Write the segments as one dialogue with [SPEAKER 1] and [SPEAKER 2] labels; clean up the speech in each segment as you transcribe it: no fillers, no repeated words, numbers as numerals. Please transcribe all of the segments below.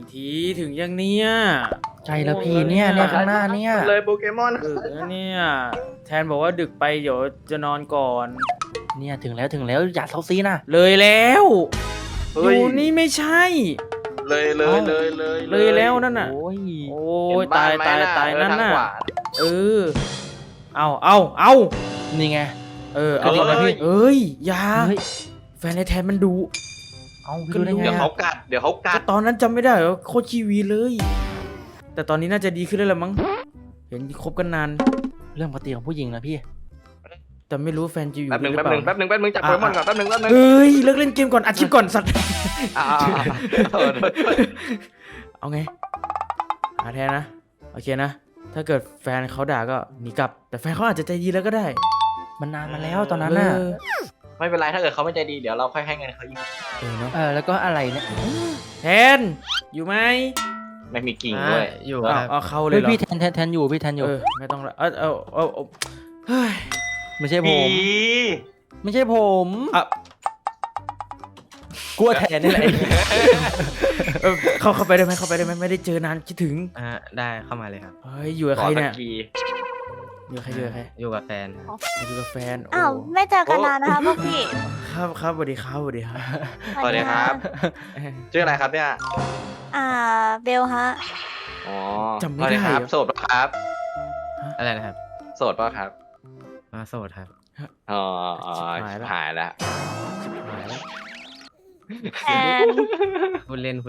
[SPEAKER 1] ทีถึงยังเนี้ย
[SPEAKER 2] ใช่แล้วพี่เนี่ยข้างหน้าเนี่ย
[SPEAKER 3] เลยโปเกมอน
[SPEAKER 1] ดึกแล้วเนี่ยแทนบอกว่าดึกไปเดี๋ยวจะนอนก่อน
[SPEAKER 2] เนี่ยถึงแล้วอย่าเซาซีนะ
[SPEAKER 1] เลยแล้วอ
[SPEAKER 3] เฮ้ย
[SPEAKER 1] ยู่นี่ไม่ใช่
[SPEAKER 3] เลย
[SPEAKER 1] แล้วนั่นน่ะ
[SPEAKER 2] โอ้ย
[SPEAKER 1] โอ้
[SPEAKER 3] เห็
[SPEAKER 1] ย
[SPEAKER 3] นบ้
[SPEAKER 1] ตาย
[SPEAKER 3] ไหม
[SPEAKER 1] ตายนั่น
[SPEAKER 3] ทาง
[SPEAKER 1] น่ะ
[SPEAKER 3] ขวา
[SPEAKER 1] เออเอา
[SPEAKER 2] นี่ไง
[SPEAKER 1] เอา
[SPEAKER 2] กระดิ่งนะพี่
[SPEAKER 1] เอ้ยอยา
[SPEAKER 2] เฮ้ย
[SPEAKER 1] แฟนในแทนมันดู
[SPEAKER 2] เอาพี่รู้ได้ไง
[SPEAKER 3] เดี๋ยวเขา
[SPEAKER 2] อะ
[SPEAKER 3] กัดเดี๋ยวเขากั
[SPEAKER 1] ก็
[SPEAKER 3] ด
[SPEAKER 1] ตอนนั้นจำไม่ได้เหรอโคตรชีวีเลย แต่ตอนนี้น่าจะดีขึ้นแล้วละมั้งเห็นคบกันนาน
[SPEAKER 2] เรื่องปกติของผู้หญิงนะพี่
[SPEAKER 1] แต่ไม่รู้แฟนจะอยู่
[SPEAKER 3] แป๊บหนึ่ง
[SPEAKER 1] หรื
[SPEAKER 3] แป๊
[SPEAKER 1] อบ เป
[SPEAKER 3] หนึ่ง
[SPEAKER 1] ล่า
[SPEAKER 3] แป๊บหนึ่งจับโปเกมอนก่อนแป๊บหนึ่ง
[SPEAKER 1] เอ้ยเลิกเล่นเกมก่อนอัดคลิปก่อนสัตว์
[SPEAKER 3] อ่าๆ
[SPEAKER 1] เอาไงหาแทนนะโอเคนะถ้าเกิดแฟนเขาด่าก็หนีกลับ แต่แฟนเขาอาจจะใจดีแล้วก็ได้
[SPEAKER 2] มันนานมาแล้วตอนนั้นน่ะ
[SPEAKER 1] เออ
[SPEAKER 3] ไม่เป็นไรถ้าเกิดเขาไม่ใจดีเดี๋ยวเราค่อยให้เงินเขาอีก
[SPEAKER 1] เนาะ
[SPEAKER 2] แล้วก็อะไรเนี่ย
[SPEAKER 1] แทนอยู่ไหม
[SPEAKER 3] ไม่มีกิ่งด้วย
[SPEAKER 4] อยู่
[SPEAKER 1] เอาเข้าเลย
[SPEAKER 2] เฮ้ย
[SPEAKER 1] เหรอ
[SPEAKER 2] พี่แทนอยู่พี่แทนอยู่
[SPEAKER 1] ไม่ต้องละเอาเฮ้ย
[SPEAKER 2] ไม่ใช่ผ
[SPEAKER 3] ผี
[SPEAKER 2] ม ไม่ใช่ผม
[SPEAKER 1] อ่ะ
[SPEAKER 2] กลัวแทนนี่แหละ
[SPEAKER 1] เข้าไปได้ไหมไม่ได้เจอนานคิดถึง
[SPEAKER 4] ได้เข้ามาเลยครับ
[SPEAKER 1] เฮ้ยอยู่กับใครเนี่ย
[SPEAKER 3] ขอตะกี้
[SPEAKER 1] อยู่กับใคร
[SPEAKER 4] อยู่กับแฟนครับ
[SPEAKER 1] อยู่กับแฟน
[SPEAKER 5] อ้าวไม่เจอกันนานนะคะพวกพี่
[SPEAKER 1] ครับสวัสดีครับ
[SPEAKER 3] สวัสดีครับชื่ออะไรครับเนี่ย
[SPEAKER 5] เบลฮะ
[SPEAKER 3] อ๋อ
[SPEAKER 1] จำไม่
[SPEAKER 3] สวัส
[SPEAKER 1] ได้
[SPEAKER 3] ครับ
[SPEAKER 1] เหรอ
[SPEAKER 3] โสดปะครับ
[SPEAKER 4] อะไรนะครับ
[SPEAKER 3] โสดปะครับ
[SPEAKER 4] โสดครับ
[SPEAKER 3] อ๋อ
[SPEAKER 1] หายแล้ว
[SPEAKER 3] หายแล้ว
[SPEAKER 5] แอน
[SPEAKER 4] พูดเล่น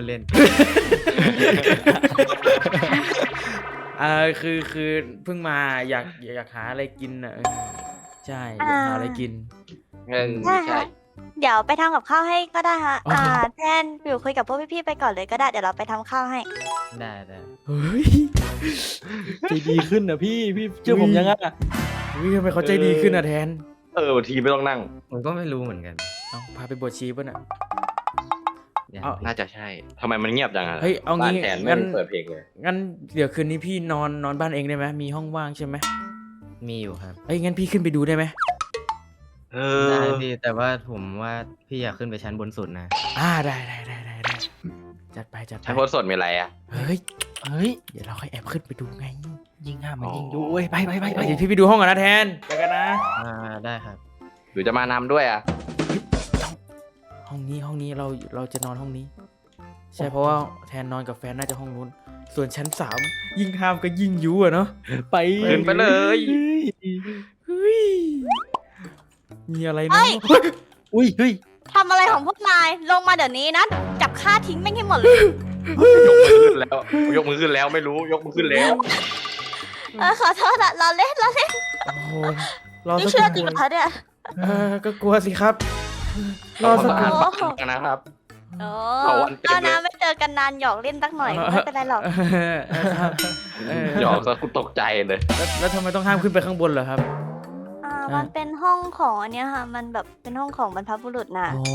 [SPEAKER 1] คือเพิ่งมาอยากหาอะไรกินอ่ะใช่อยากหาอะไรกิน
[SPEAKER 3] เงิน
[SPEAKER 5] ใช่
[SPEAKER 3] ใช่
[SPEAKER 5] ฮะเดี๋ยวไปทำกับข้าวให้ก็ได้ฮะ
[SPEAKER 1] อ๋อ
[SPEAKER 5] แทนอยู่คุยกับพวกพี่ๆไปก่อนเลยก็ได้เดี๋ยวเราไปทำข้าวให้
[SPEAKER 4] ได้
[SPEAKER 1] เฮ้ย
[SPEAKER 2] ใจดีขึ้นนะพี่เชื่อผมยังอ่ะ
[SPEAKER 1] ทำไมเขาใจดีขึ้นอ่ะแทน
[SPEAKER 3] บางทีไม่ต้องนั่ง
[SPEAKER 4] ผมก็ไม่รู้เหมือนกัน
[SPEAKER 1] เอาพาไปบวชชีป่ะน่ะ
[SPEAKER 4] อย่าง
[SPEAKER 1] เอา
[SPEAKER 3] น่าจะใช่ทำไมมันเงียบจังอะ
[SPEAKER 1] เฮ้ยเอางี้
[SPEAKER 3] บ้นแทนไม่
[SPEAKER 1] งั้น
[SPEAKER 3] เปิดเพลงเลย
[SPEAKER 1] งั้นเดี๋ยวคืนนี้พี่นอนบ้านเองได้ไหมมีห้องว่างใช่ไหม
[SPEAKER 4] มีอยู่ครับ
[SPEAKER 1] เอ้ยงั้นพี่ขึ้นไปดูได้ไหม
[SPEAKER 3] เอ
[SPEAKER 4] ได้
[SPEAKER 3] อ
[SPEAKER 4] พี่แต่ว่าผมว่าพี่อยากขึ้นไปชั้นบนสุดนะ
[SPEAKER 1] ได้จัดไป
[SPEAKER 3] ใช้โพสต์สดมีอะไรอ่ะ
[SPEAKER 1] เฮ้ย
[SPEAKER 2] เฮ้ย
[SPEAKER 1] เดี๋ยวเราค่อยแอบขึ้นไปดูไง
[SPEAKER 2] ยิงห้ามมันยิงดูเว้ยไป
[SPEAKER 1] เดี๋ยวพี่ไปดูห้องก่อนนะแทนไปกันนะ
[SPEAKER 4] ได้ครับ
[SPEAKER 3] หรือจะมานำด้วยอ่ะ
[SPEAKER 1] ห้องนี้เราจะนอนห้องนี้ ใช่เพราะว่าแทนนอนกับแฟนน่าจะห้องนู้น ส่วนชั้น3ยิ่งห้ามก็ยิ่งยุอะเนาะ
[SPEAKER 2] ไป
[SPEAKER 3] ขึ้นไปเลย
[SPEAKER 1] เฮ้ยมีอะไรเนาะ
[SPEAKER 2] อุ้ยเฮ้ย
[SPEAKER 5] ทำอะไรของพวกนายลงมาเดี๋ยวนี้นะจับฆ่าทิ้งแม่งให้หมดเลย
[SPEAKER 3] ยกมือขึ้นแล้วไม่รู้ยกมือขึ้นแล้ว
[SPEAKER 5] ขอโทษอะเราเล่น
[SPEAKER 1] โอ้โหรอ
[SPEAKER 5] นี่
[SPEAKER 1] สัก
[SPEAKER 5] เชื่อ
[SPEAKER 1] ค
[SPEAKER 5] จริงเหร
[SPEAKER 1] รู่
[SPEAKER 5] อคะเนี่ย
[SPEAKER 1] ก็กลัวสิครับ รอสักค
[SPEAKER 3] อ่า
[SPEAKER 1] รู่
[SPEAKER 3] นปากนะครับ
[SPEAKER 5] โอ้
[SPEAKER 3] เอาวันเต็มเลย
[SPEAKER 5] ก็นะไม่เจอกันนานหยอกเล่นสักหน่อยไม่เป็นไรหรอก
[SPEAKER 1] ครับ
[SPEAKER 3] หยอกซะกูตกใจเลย
[SPEAKER 1] แล้วทำไมต้องห้ามขึ้นไปข้างบนเหรอครับ
[SPEAKER 5] มันเป็นห้องของอันเนี้ยค่ะ มันแบบเป็นห้องของบรรพบุรุษน่ะ
[SPEAKER 1] โอ้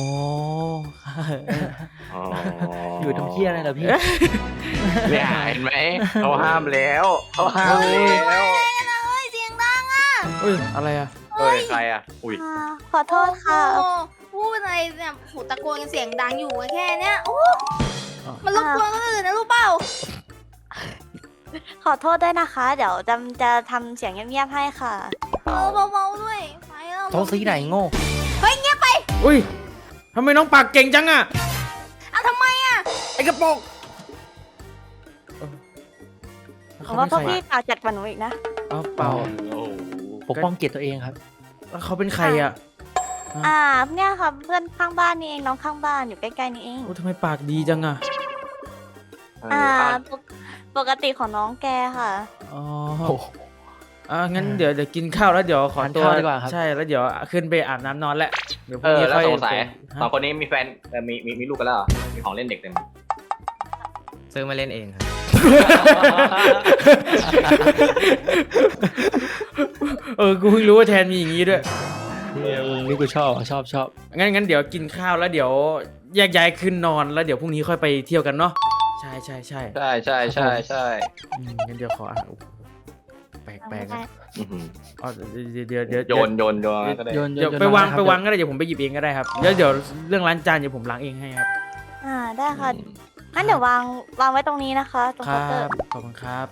[SPEAKER 2] อยู่ทำเที่ยอะไรเหรอพี่
[SPEAKER 3] เนี่ยเห็นไหมเขาห้ามแล้วเขาห้ามแล้ว
[SPEAKER 5] เสียงดังอ่ะ
[SPEAKER 1] เอ้ยอะไรอ่ะ
[SPEAKER 3] เฮ้ยใครอ่ะอุ้ย
[SPEAKER 5] ขอโทษค่ะ
[SPEAKER 6] โอ้พูดอะไรเนี่ยหูตะโกนกันเสียงดังอยู่แค่เนี้ยโอ้มันรบกวนคนอื่นนะรู้เปล่า
[SPEAKER 5] ขอโทษด้วยนะคะ เดี๋ยวจะทำเสียงเงียบๆให้ค่ะ
[SPEAKER 6] เบาๆด้วยไปแล้ว
[SPEAKER 2] เซาซีไหนโง่
[SPEAKER 1] อุ้ยทำไมน้องปากเก่งจังอ่ะ
[SPEAKER 6] ทำไมอ่ะ
[SPEAKER 1] ไอ้กระโปรง
[SPEAKER 5] ผมว่าพวกพี่ปากจัดกว่าหนูอีกนะ
[SPEAKER 1] เปล่า
[SPEAKER 3] โอ้
[SPEAKER 2] ปกป้องเกียรติตัวเองครับ
[SPEAKER 1] แล้วเขาเป็นใครอ่ะ
[SPEAKER 5] เนี่ยค่ะเพื่อนข้างบ้านนี่เองน้องข้างบ้านอยู่ใกล้ๆนี่เอง
[SPEAKER 1] โอ้ทำไมปากดีจังอ่ะ
[SPEAKER 5] ปกติของน้องแกค่ะ
[SPEAKER 1] อ๋องั้นเดี๋ยวกินข้าวแล้วเดี๋ยวขอตัว
[SPEAKER 2] ทานข้าวดีกว่าครับ
[SPEAKER 1] ใช่แล้วเดี๋ยวขึ้นไปอาบน้ำนอนแหละเดี๋ยวพ
[SPEAKER 3] เอ
[SPEAKER 1] รุ่ง
[SPEAKER 3] อ
[SPEAKER 1] นี้
[SPEAKER 3] แล้ว
[SPEAKER 1] ค่อย
[SPEAKER 3] สงสัย
[SPEAKER 1] ฮะ
[SPEAKER 3] สองคนนี้มีแฟนมีลูกกันแล้วเหรอมีของเล่นเด็กเต็ม
[SPEAKER 4] ซื้อมาเล่นเองครับ
[SPEAKER 1] กูเพิ่งรู้ว่าแทนมีอย่างนี้ด้วย
[SPEAKER 2] นี่กูชอบชอบ
[SPEAKER 1] งั้นเดี๋ยวกินข้าวแล้วเดี๋ยวแยกย้ายขึ้นนอนแล้วเดี๋ยวพรุ่งนี้ค่อยไปเที่ยวกันเนาะใช่
[SPEAKER 3] ใช่
[SPEAKER 1] งั้นเดี๋ยวขอโอ้โหแปลกๆนะ
[SPEAKER 3] อื้อหือ
[SPEAKER 1] อ๋อเดี๋ยว
[SPEAKER 3] โยนก็ได้
[SPEAKER 2] โยน
[SPEAKER 1] เดี๋ยวไปวางก็ได้เดี๋ยวผมไปหยิบเองก็ได้ครับเดี๋ยวเรื่องล้างจานเดี๋ยวผมล้างเองให้ครับ
[SPEAKER 5] ได้ค่ะงั้นเดี๋ยววางไว้ตรงนี้นะคะ ตรง
[SPEAKER 1] ค
[SPEAKER 5] เคา
[SPEAKER 1] รั
[SPEAKER 5] น์เตอร์
[SPEAKER 1] บขอบคุณครับ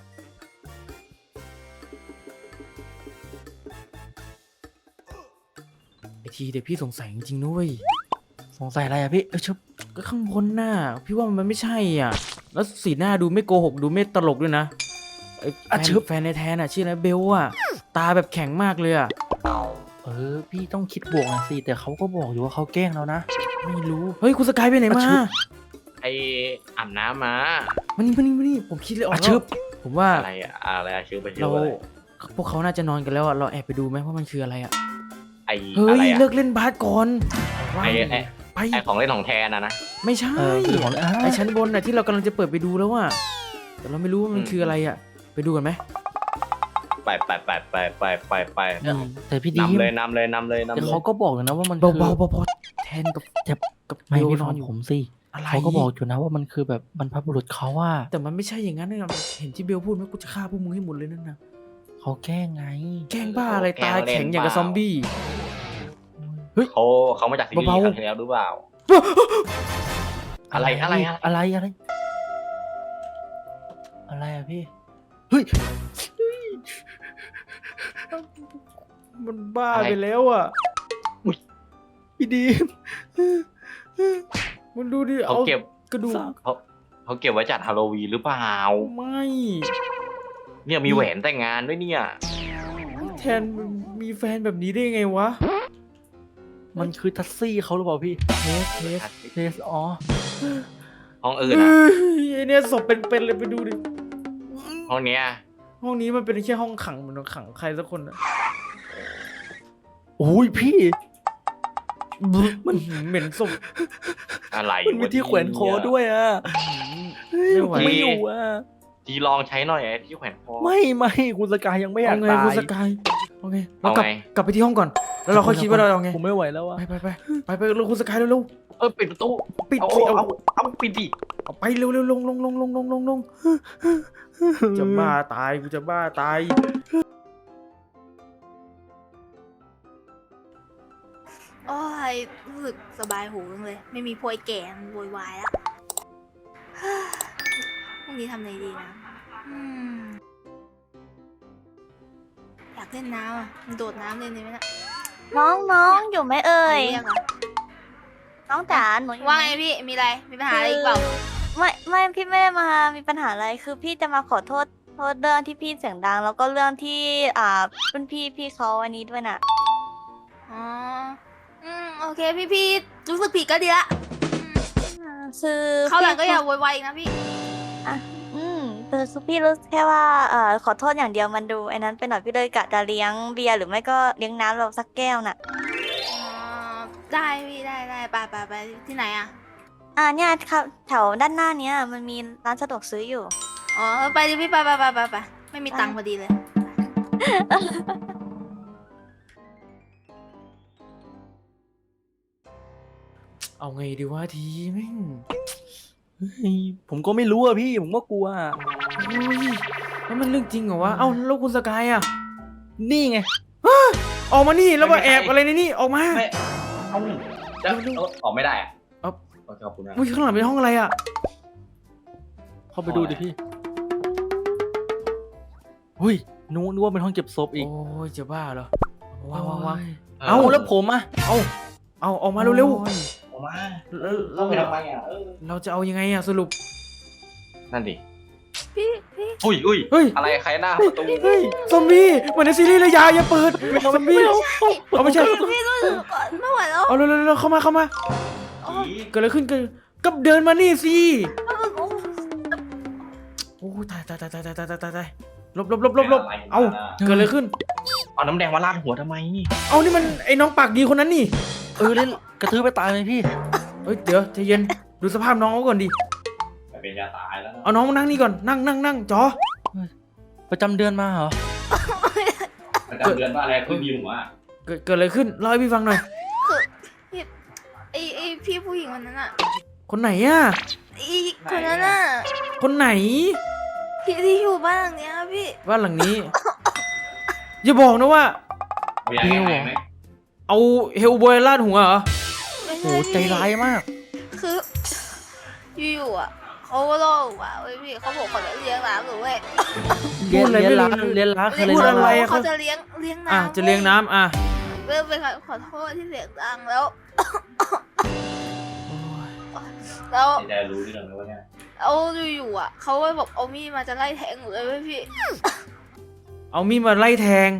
[SPEAKER 1] ไอทีเดี๋ยวพี่สงสัยจริงๆนุ้ย
[SPEAKER 2] สงสัยอะไรอะพี่ชุบ
[SPEAKER 1] ก็ข้างบนน่ะพี่ว่ามันไม่ใช่อ่ะ แล้วสีหน้าดูไม่โกหกดูไม่ตลกด้วยนะไอ้แฟนในแทนอ่ะชื่ออะไรเบลอ่ะตาแบบแข็งมากเลยอ่ะ
[SPEAKER 2] พี่ต้องคิดบวกหน่อยสิแต่เขาก็บอกอยู่ว่าเขาแกล้งเรานะ
[SPEAKER 1] ไม่รู้เฮ้ยคุณสกายไปไหนมา
[SPEAKER 3] ไออาบน้ำมา
[SPEAKER 1] มานี่ผมคิดเลยออก
[SPEAKER 2] อ่ะ
[SPEAKER 1] แล้
[SPEAKER 2] ชึ
[SPEAKER 1] ว
[SPEAKER 2] บ
[SPEAKER 1] ผมว่า
[SPEAKER 3] อะไรอะอะไรอะชื่อไปชื่
[SPEAKER 1] เรา
[SPEAKER 3] ออะไร
[SPEAKER 1] พวกเขาน่าจะนอนกันแล้วอ่ะเราแอบไปดูไหมว่ามันคืออะไรอ่ะ
[SPEAKER 3] ไอ
[SPEAKER 1] เฮ้
[SPEAKER 3] อะไร
[SPEAKER 1] ย
[SPEAKER 3] อะ
[SPEAKER 1] เลิกเล่นบาสก่อน
[SPEAKER 3] ไอไอ
[SPEAKER 1] ไป
[SPEAKER 3] ไอของเล่นของแทนนะ
[SPEAKER 1] ไม่ใช่
[SPEAKER 2] คือของ
[SPEAKER 1] ไอชั้นบนน่ะที่เรากำลังจะเปิดไปดูแล้วอ่ะแต่เราไม่รู้ว่ามันคืออะไรอ่ะไปดูกันไหม
[SPEAKER 3] ไป
[SPEAKER 2] แต่พี่ดีม
[SPEAKER 3] นำเลย
[SPEAKER 2] แต่เขาก็บอกอยู่นะว่ามัน
[SPEAKER 1] เบา
[SPEAKER 2] คือ
[SPEAKER 1] เบาพอแทนกับ
[SPEAKER 2] ไม่
[SPEAKER 1] เบล
[SPEAKER 2] พี่
[SPEAKER 1] น
[SPEAKER 2] ฟั
[SPEAKER 1] อง นอยู่
[SPEAKER 2] ผมสิ
[SPEAKER 1] อะไร
[SPEAKER 2] เขาก็บอกอยู่นะว่ามันคือแบบบรรพบุรุษเขาว่า
[SPEAKER 1] แต่มันไม่ใช่อย่างนั้นนะเห็นที่เบลพูดไหมกูจะฆ่าพวกมึงให้หมดเลยนั่นนะ
[SPEAKER 2] เขาแกล้งไง
[SPEAKER 1] แกล้งบ้าอะไรตาแข็งอย่างกับซอมบี้
[SPEAKER 3] เขามาจากซีรีส์
[SPEAKER 1] เบาๆ
[SPEAKER 3] ครั้งที่แล้วหรือเปล่า อะไรอะ
[SPEAKER 2] อะไรอะพี่เฮ้ย
[SPEAKER 1] มันบ้าไปแล้วอ่ะ
[SPEAKER 2] พี่ดีม
[SPEAKER 1] มันดูดิ
[SPEAKER 3] เขา
[SPEAKER 1] เอา
[SPEAKER 3] เก็บ
[SPEAKER 1] กระดูก
[SPEAKER 3] เขาเก็บไว้จัดฮาโลวีนหรือเปล่า
[SPEAKER 1] ไม่
[SPEAKER 3] เนี่ยมีแหวนแต่งงานด้วยเนี่ย
[SPEAKER 1] แทนมีแฟนแบบนี้ได้ไงวะ
[SPEAKER 2] มันคือทัสซี่เขาหรือเปล่าพี่เทสอ๋อ
[SPEAKER 3] ห้องอื่น
[SPEAKER 1] เอ้
[SPEAKER 3] อะ
[SPEAKER 1] ยไอ้เนี่ยศพเป็นๆเลยไปดูดิ
[SPEAKER 3] ห้องเนี้ย
[SPEAKER 1] ห้องนี้มันเป็นแค่ห้องขังเหมือนขังใครสักคนอะ
[SPEAKER 2] โอ้ยพี่
[SPEAKER 1] มันเหม็นศพ
[SPEAKER 3] อะไร
[SPEAKER 2] มันมีที่แขวนคอด้วยอ่ะ
[SPEAKER 1] ไม่ไหว
[SPEAKER 2] ไม่อยู่อ่ะ
[SPEAKER 3] ทีลองใช้หน่อยไอ้ที่แขวนคอ
[SPEAKER 2] ไม่คุณสกายยังไม่อยา
[SPEAKER 1] เอา
[SPEAKER 2] ก
[SPEAKER 1] ไง
[SPEAKER 2] ตา
[SPEAKER 1] คุณ
[SPEAKER 2] ย
[SPEAKER 1] สกายเอาไงเรา
[SPEAKER 3] เอา
[SPEAKER 1] กลับ
[SPEAKER 3] ไง
[SPEAKER 1] กลับไปที่ห้องก่อน แล้วเราค่อยคิดว่าเราเอาไง
[SPEAKER 2] ผมไม่ไหวแล้วอ่ะ
[SPEAKER 1] ไปเร็วคุณสกายเร็ว
[SPEAKER 3] ปิดประตู
[SPEAKER 1] ๆปิด
[SPEAKER 3] เอา
[SPEAKER 1] สิเอา
[SPEAKER 3] ปิดดิ
[SPEAKER 1] เอาไปเร็วๆลงจะบ้าตายกูจะบ้าตาย
[SPEAKER 6] โอ้ยรู้สึกสบายหูจังเลย ไม่มีพวยแก่มันโวยวายแล้วพรุ่งนี้ทำอะไรดีนะอยากเล่นน้ำอ่ะมันโดดน้ำเล่นเลยไหมนะ
[SPEAKER 5] น้องอยู่ไหมเอ่ย
[SPEAKER 6] เรียกเหรอ
[SPEAKER 5] น้องจ๋าหนูอยู่
[SPEAKER 6] ว่า
[SPEAKER 5] ไหม
[SPEAKER 6] ไงพี่มีอะไรมีปัญหาอะไรอีกเปล่า
[SPEAKER 5] ไม่พี่ไม่ได้มามีปัญหาอะไรคือพี่จะมาขอโทษเรื่องที่พี่เสียงดัง แล้วก็เรื่องที่รุ่นพี่เขาอันนี้ด้วยน่ะ
[SPEAKER 6] อ๋อโอเคพี่รู้สึกผิดก็ดีละ
[SPEAKER 5] คือ
[SPEAKER 6] เข้าวหลังก็อย่าโวยวายอีกนะพี่
[SPEAKER 5] แต่คือพี่รู้แค่ว่าขอโทษอย่างเดียวมันดูไอ้นั้นไปหน่อยพี่เลยกะจะเลี้ยงเบียร์หรือไม่ก็เลี้ยงน้ำเราสักแก้วน่ะ
[SPEAKER 6] อ๋อได้พี่ได้ไปที่ไหนอ่ะ
[SPEAKER 5] เนี่ยครับแถวด้านหน้าเนี้ยมันมีร้านสะดวกซื้ออยู่
[SPEAKER 6] อ๋อไปดิพี่ไปไม่มีตังค์พอดีเลย
[SPEAKER 1] เอาไงดีวะทีแม่ง
[SPEAKER 2] ผมก็ไม่รู้อ่ะพี่ผมก็กลัว
[SPEAKER 1] เฮ้ยแล้วมันเรื่องจริงเหรอวะเอ้าแล้วคุณสกายอะ
[SPEAKER 2] นี่ไง
[SPEAKER 1] ออกมานี่แล้วมาแอบอะไรในนี่ออกมา
[SPEAKER 3] ไม่เอาแล้วออกไม่ได้อะ
[SPEAKER 1] เอา
[SPEAKER 3] ขอบคุณนะ
[SPEAKER 1] อุ้ยข้างหลังเป็นห้องอะไรอะ
[SPEAKER 2] เข้าไปดูดิพี่หุ้ยนึกว่าเป็นห้องเก็บศพอีก
[SPEAKER 1] โอ้ยจะบ้าเหรอวาง
[SPEAKER 2] เอาแล้วผมอ่ะ
[SPEAKER 1] เอาออกมาเร็ว
[SPEAKER 2] โอ้ย
[SPEAKER 3] ออกมา
[SPEAKER 1] ๆแล้ว
[SPEAKER 3] เข้าไปทำไมอ่ะ
[SPEAKER 1] เราจะเอายังไงอะสรุป
[SPEAKER 3] นั่นดิ
[SPEAKER 6] พี่
[SPEAKER 3] อุ้ย
[SPEAKER 1] เฮ้ย
[SPEAKER 3] อะไรใครหน้าประตู
[SPEAKER 1] เฮ้ยซอมบี้เหมือนในซีรีส์เลยอย่าเปิดซอมบี้เอาไม่ใช่
[SPEAKER 6] พี่รู้สึกไม่ไหวแล้ว
[SPEAKER 1] เอาเร็วๆเข้ามา
[SPEAKER 6] โอ้ย
[SPEAKER 1] เกิดอะไรขึ้นก็เดินมานี่สิโอ้ยตายหลบเอาเกิดอะไรขึ้น
[SPEAKER 3] เอาน้ำแดงมาราดหัวทำไม
[SPEAKER 1] เอานี่มันไอ้น้องปากดีคนนั้นนี่
[SPEAKER 2] เล่นกระทืบไปตายเลยพี่
[SPEAKER 1] เฮ้ยเดี๋ยวใจเย็นดูสภาพน้องเขาก่อนดิ
[SPEAKER 3] เป็นยาตายแล้ว
[SPEAKER 1] เอาน้องมานั่งนี่ก่อนนั่งจอ
[SPEAKER 2] ประจำเดือนมาเหรอ
[SPEAKER 3] ประจำเดือนว่าอะไรขึ้นยิมวะ
[SPEAKER 1] เกิดอะไรขึ้นเล่าให้พี่ฟังหน่อย
[SPEAKER 6] ไอพี่ผู้หญิงคนนั้นอ่ะ
[SPEAKER 1] คนไหนอะ
[SPEAKER 6] ไอคนนั้นอ่ะ
[SPEAKER 1] คนไหน
[SPEAKER 6] พี่ที่อยู่บ้านหลังเนี้ยพี่
[SPEAKER 1] บ้านหลังนี้ อย่าบอกนะว่า
[SPEAKER 3] มีอะไรไหม
[SPEAKER 1] เอาเฮลบอยลาดหัวเหรอ
[SPEAKER 6] ไม่
[SPEAKER 2] โห
[SPEAKER 6] ใช่
[SPEAKER 2] ใจร้ายมาก
[SPEAKER 6] คืออยู่ๆอ่ะเขาก็โลกว่าเว้ยพี่เขาบอกเขาจะเลี้ยงน้ำหนูเว้ย
[SPEAKER 2] เรียน
[SPEAKER 1] พูดอะไร
[SPEAKER 2] เรียน
[SPEAKER 1] ไม่รู้
[SPEAKER 2] รักเรียนรักอะไร
[SPEAKER 1] พูดอะไร
[SPEAKER 2] นะ
[SPEAKER 6] เขาจะเลี้ยงน้ำ
[SPEAKER 1] อ่ะจะเลี้ยงน้ำอ่ะ
[SPEAKER 6] เริ่มไปขอโทษที่เสียงดังแล้ว แล้ว
[SPEAKER 3] ได้รู้เรื่องแล้วเนี่ย
[SPEAKER 6] เอาอยู่ๆอ่ะเขาก็บอกเอามีดมาจะไล่แทงหนูเลยเว้ยพี่
[SPEAKER 1] เอามีดมาไล่แทง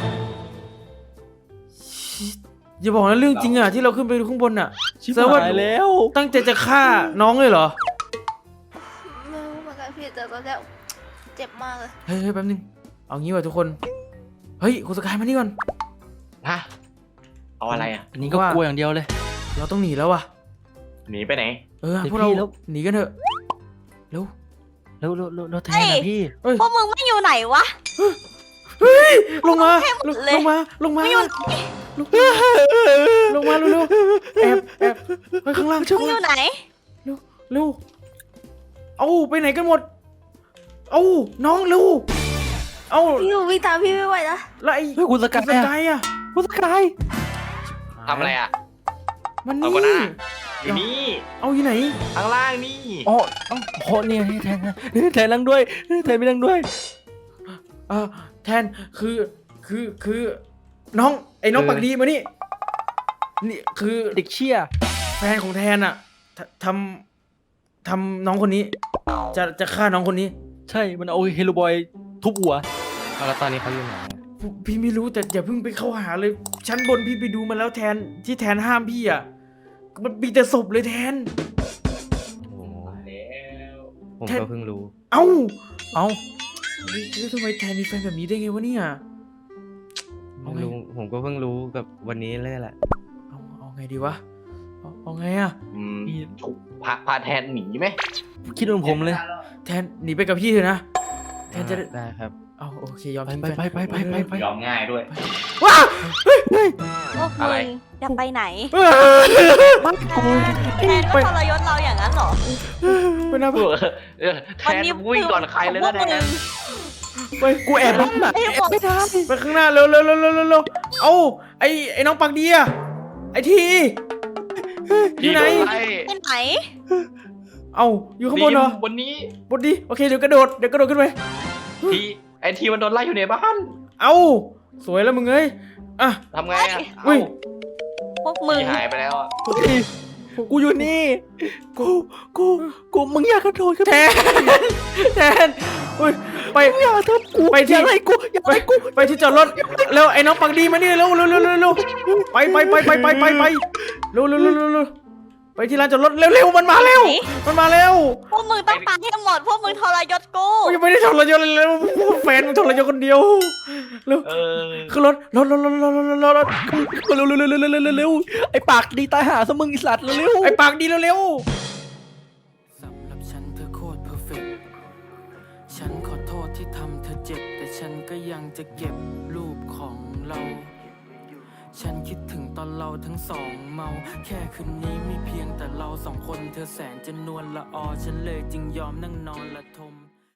[SPEAKER 1] ชิอย่าบอกนะเรื่องจริงอ่ะที่เราขึ้นไปดูข้างบนอ่ะ
[SPEAKER 2] ชิบ
[SPEAKER 1] แสดงว่า
[SPEAKER 2] หายแล้ว
[SPEAKER 1] ตั้งใจจะฆ่าน้องเลยเหรอ
[SPEAKER 6] ไม่รู้เหมือนกันพี่แต่ตอนแรกเจ็บมากเลย
[SPEAKER 1] เฮ้ยแป๊บนึงเอางี้ว่ะทุกคนเฮ้ยคุณสกายมานี่ก่อน
[SPEAKER 3] ฮะเอาอะไรอ่ะ
[SPEAKER 2] อันนี้ก็กลัวอย่างเดียวเลย
[SPEAKER 1] เราต้องหนีแล้วว่ะ
[SPEAKER 3] หนีไปไหน
[SPEAKER 1] พวกเรา
[SPEAKER 2] แล้ว
[SPEAKER 1] หนีกันเถอะเร็ว
[SPEAKER 2] แล้วแทนนะพี่
[SPEAKER 5] พวกมึงไม่อยู่ไหนวะ
[SPEAKER 1] ลงมา
[SPEAKER 5] หมดเลย
[SPEAKER 1] ลงมาลงมา
[SPEAKER 5] ไม่อยู่
[SPEAKER 1] ลงมาลงมาเร็วๆแอบไปข้างล่างช่วย
[SPEAKER 5] มึงอยู่ไหน
[SPEAKER 1] เร็วเอาไปไหนกันหมดเอาน้องเร็วเอา
[SPEAKER 6] พี่หนูวิ่งตามพี่ไม่ไหวนะ
[SPEAKER 1] แล้วไอ้
[SPEAKER 2] เฮ้ยคุณสกาย
[SPEAKER 1] สกายอ่ะ
[SPEAKER 2] คุณสกาย
[SPEAKER 3] ทำอะไรอ่ะ
[SPEAKER 1] มัน
[SPEAKER 3] เอา
[SPEAKER 1] นี่
[SPEAKER 3] ก็ได้อยู่นี่
[SPEAKER 1] เอาอยู่ไหน
[SPEAKER 3] ข้างล่างนี่
[SPEAKER 2] อ๋อโหเนี่ยแทนแทนนั่งด้วยแทนไม่นั่งด้วย
[SPEAKER 1] แทนคือน้องไอ้น้องปากดีมานี่นี่คือ
[SPEAKER 2] เด็กเชี่ย
[SPEAKER 1] แฟนของแทนอ่ะทำน้องคนนี้ จะฆ่าน้องคนนี้
[SPEAKER 2] ใช่มันเอาเฮโลบอยทุบหัว
[SPEAKER 4] เอาแล้วตอนนี้เขาอยู่ไหนอะ
[SPEAKER 1] พี่ไม่รู้แต่อย่าเพิ่งไปเข้าหาเลยชั้นบนพี่ไปดูมาแล้วแทนที่แทนห้ามพี่อ่ะมันมีแต่ศพเลยแทน
[SPEAKER 4] โอ้โห
[SPEAKER 3] แล้ว
[SPEAKER 4] ผม
[SPEAKER 1] แทน
[SPEAKER 4] ก็เพิ่งรู้
[SPEAKER 1] เอ้า
[SPEAKER 2] เอ้า
[SPEAKER 1] แล้วทำไมแทนมีแฟนแบบนี้ได้ไงวะเนี่ย เอาไง
[SPEAKER 4] ไม่รู้ผมก็เพิ่งรู้กับวันนี้เลยแหละ
[SPEAKER 1] เอาไงดีวะเอาไงอ่ะ
[SPEAKER 3] พาแทนหนีไหม
[SPEAKER 2] คิดเหมือนผมเลย
[SPEAKER 1] แทนหนีไปกับพี่เถอะนะแทนจะ
[SPEAKER 4] ได้ครับ
[SPEAKER 1] เอาโอเคยอม
[SPEAKER 2] ไป
[SPEAKER 1] ทิ้ง
[SPEAKER 2] ไป
[SPEAKER 1] แฟน
[SPEAKER 2] ไป
[SPEAKER 3] ยอมง่ายด้วย
[SPEAKER 1] ว้า
[SPEAKER 5] พวก
[SPEAKER 3] อะ
[SPEAKER 5] มึ
[SPEAKER 3] ไร
[SPEAKER 5] งจะไปไหน
[SPEAKER 2] บ้านกู
[SPEAKER 5] แทนก็ทรยศเราอย่างนั้นเหรอ
[SPEAKER 1] ไปนะ
[SPEAKER 3] แทนวิ่งก่อนใครเลยนะแทน
[SPEAKER 1] ไปกูแอบบ้าน
[SPEAKER 5] ไอ้พวก
[SPEAKER 2] ไม่ได้
[SPEAKER 1] ไปข้างหน้าเร็วเอาไอ้น้องปักดีอะไอ้ทีอยู่ไหน
[SPEAKER 5] ไปไหน
[SPEAKER 1] เอาอยู่ข้างบนเหรอบ
[SPEAKER 3] นนี้
[SPEAKER 1] บนดีโอเคเดี๋ยวกระโดดขึ้นไป
[SPEAKER 3] ไอทีมันโดนไล่อยู่ในบ้าน
[SPEAKER 1] เอาสวยแล้วมึงเอ้ยอ่ะ
[SPEAKER 3] ทำไงอ่ะ
[SPEAKER 1] อุ้ย
[SPEAKER 5] พวกมึง
[SPEAKER 3] ทีหายไปแล้วอ่ะ
[SPEAKER 2] กูอยู่นี่ กูมึงอยากกระโดดกัน
[SPEAKER 1] แทนอุ้ยไป
[SPEAKER 2] อย่าทำกู
[SPEAKER 1] ไปที่
[SPEAKER 2] อย่าไล่กูอย่าไล่กู
[SPEAKER 1] ไปที่จอดรถเร็วไอ้น้องปักดีมานี่เร็วไปเร็วไปที่ร้านจอดรถเร็วมันมาเร็ว
[SPEAKER 5] พวกมึงต้องตายให้หมด พวกมึงทรยศกู
[SPEAKER 1] กูยังไม่ได้ทรยศเลยเร็วแฟนมึงทรยศคนเดียวเร็ว
[SPEAKER 3] เออ
[SPEAKER 1] ขึ้นรถ
[SPEAKER 2] เร็วไอ้ปากดีตายหาซะมึงไอ้สัตว์เร็ว
[SPEAKER 1] ไอ้ปากดีเร็วสำหรับฉันเธอโคตรเพอร์เฟกต์ฉันขอโทษที่ทำเธอเจ็บแต่ฉันก็ยังจะเก็บรูปของเราฉันคิดถึงตอนเราทั้งสองเมาแค่คืนนี้มีเพียงแต่เราสองคนเธอแสนจะนวลละออฉันเลยจึงยอมนั่งนอนละทม